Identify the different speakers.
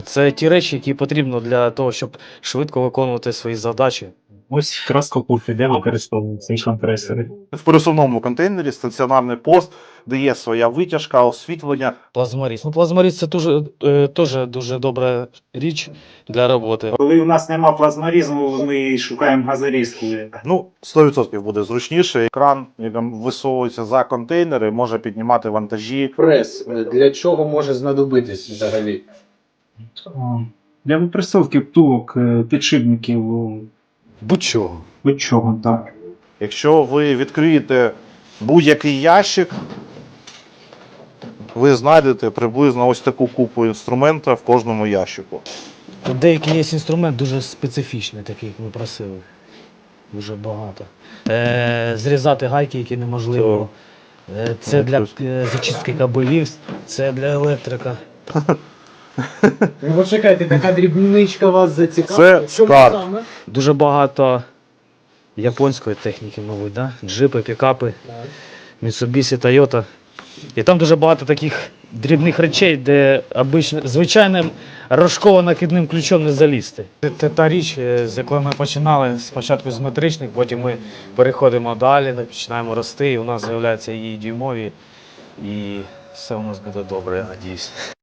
Speaker 1: Це ті речі, які потрібно для того, щоб швидко виконувати свої задачі.
Speaker 2: Ось якраз капуфи, де використовують ці компресори.
Speaker 3: В пересувному контейнері стаціонарний пост, де є своя витяжка, освітлення.
Speaker 1: Плазморіз. Плазморіз це теж дуже добра річ для роботи.
Speaker 2: Коли у нас нема плазморізму, ми шукаємо газорізку.
Speaker 3: 100% буде зручніше. Кран, який висовується за контейнери, може піднімати вантажі.
Speaker 4: Прес для чого може знадобитись взагалі?
Speaker 2: Для випресовки втулок, підшипників,
Speaker 1: Будь-чого.
Speaker 2: будь-чого, так.
Speaker 3: Якщо ви відкриєте будь-який ящик, ви знайдете приблизно ось таку купу інструменту в кожному ящику.
Speaker 1: Тут деякий є інструмент дуже специфічний, такий, як ми просили. Дуже багато. Зрізати гайки, які неможливо. Це для зачистки кабелів, це для електрика.
Speaker 4: Ну, почекайте, така дрібничка вас зацікавила.
Speaker 3: Це скарб.
Speaker 1: Дуже багато японської техніки, мабуть, да? Джипи, пікапи, Mitsubishi, Toyota. І там дуже багато таких дрібних речей, де звичайним рожково-накидним ключом не залізти. Це та річ, з якої ми починали спочатку з метричних, потім ми переходимо далі, починаємо рости, і у нас з'являються і дюймові, і все у нас буде добре, я надіюсь.